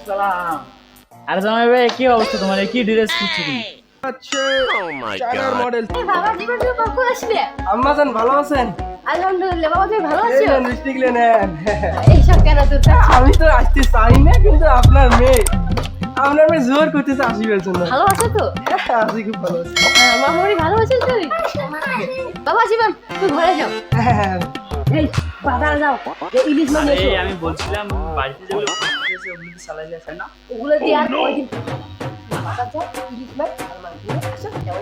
সালাম। আরে জামাই ভাই কি অবস্থা তোমার? কি ড্রেস পরছো তুমি? আচ্ছা চায়নার মডেল। বাবা জীবন তুমি কখন আসবে? আম্মা জান ভালো আছেন? আলহামদুলিল্লাহ। বাবা তুমি ভালো এই আছো? নেন মিষ্টি গুলো নেন। এইসব কেন তোর কাছে? আমি তো আসতে চাই না, কিন্তু আপনার মেয়ে জোর করতেছে আসিবার জন্য। ভালো আছো তো? আসি খুব ভালো আছি। মামুরি ভালো আছিস তুই? বাবা জীবন তুই ঘরে যাও। এই বাজারে যাও, এই ইলিশ মাছ আরে এসো। আমি বলছিলাম বাড়িতে যেগুলো পড়তেছে ওগুলো কি চালাই যাচ্ছে না? ওগুলো দিয়ে আর কয়দিন বাজার যাও, ইলিশ মাছ আর মাছ দিয়ে আসো, যেমন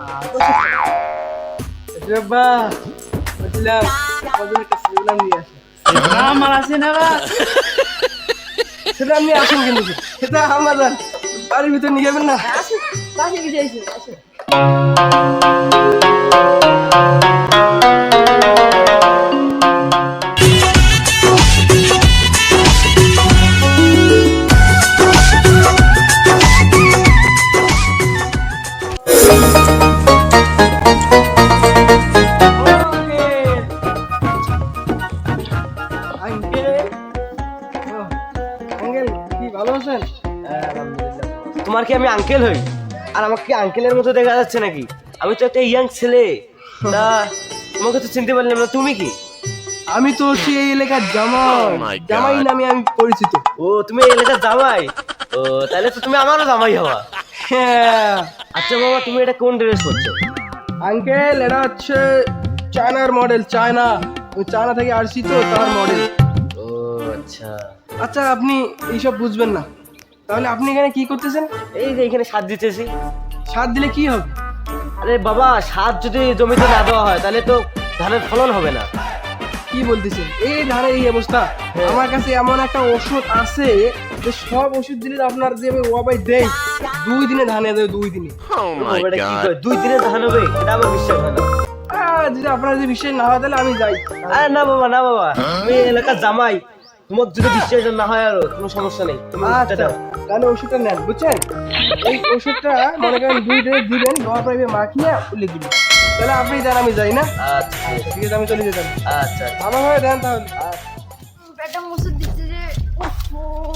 বাবা বলছিলাম কজন একটা সিগনাল নিয়ে আসেন। আমার আছে না বা? সেটা আপনি আসেন, কিন্তু সেটা আম্মা জান বাড়ির ভিতর নিয়ে যাবেন না। আসো, বাসে গিয়ে এসো, আসো। তোমার কি আমি আঙ্কেল হই? আর আমাকে কি আঙ্কেলের মতো দেখা যাচ্ছে নাকি? আমি তো একটা ইয়াং ছেলে। তা তোমাকে তো চিনতে পারলাম না, তুমি কি? আমি তো হচ্ছে এই এলাকার জামাই। জামাই নামে আমি পরিচিত। ও তুমি এই এলাকার জামাই? ও তাহলে তো তুমি আমারও জামাই হওয়া। হ্যাঁ আচ্ছা বাবা, তুমি এটা কোন ড্রেস করছো? আঙ্কেল, এটা হচ্ছে চায়নার মডেল। চায়না, ওই চায়না থেকে আসছি তো, তার মডেল। ও আচ্ছা। আচ্ছা আপনি এইসব বুঝবেন না, তাহলে আপনি এখানে কি করতেছেন? এই যে এখানে সার দিতেছি। সার দিলে কি হবে? আরে বাবা, সার যদি জমিতে না দেওয়া হয় তাহলে তো ধানের ফলন হবে না। কি বলতেছেন? এই ধানের এই অবস্থা। আমার কাছে এমন একটা ওষুধ আছে যে সব ওষুধ দিলে আপনার যে আমি ওয়াবাই দেই 2 দিনে ধানে দেয়, 2 দিনে। এটা কি করে 2 দিনে ধান হবে? এটা আমার বিশ্বাস হয় না। যদি আপনার যে বিশ্বাস না হয় তাহলে আমি যাই। আরে না বাবা, না বাবা, তুমি এই এলাকার জামাই, তোমার যদি বিশ্বাস না হয় আর কোনো সমস্যা নেই, তুমি ওষুধটা আচ্ছা দাও। তাহলে ওষুধটা নেন, বুঝছেন? এই ওষুধটা মনে করেন 2 দিনে দিবেন, দেওয়ার পরে মাখিয়ে উল্লে দিবেন। তাহলে আপনি দেন, আমি যাই না? আচ্ছা ঠিক আছে, আমি চলে যেতাম। আচ্ছা। ভালোভাবে দেন তাহলে। পেটটা মুছে দিচ্ছে যে উফ,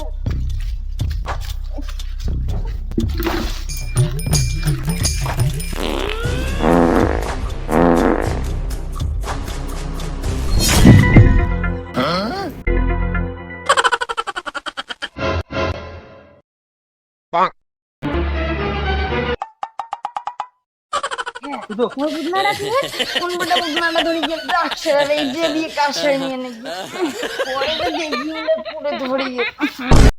বুদনাটা কি রে? কোন বড় বুদনাটা ধরে গিয়ে ডাকছে আর এই যে দিয়ে কাছে নিয়ে নাকি পরে তো দেখি পুরো ধরে গিয়ে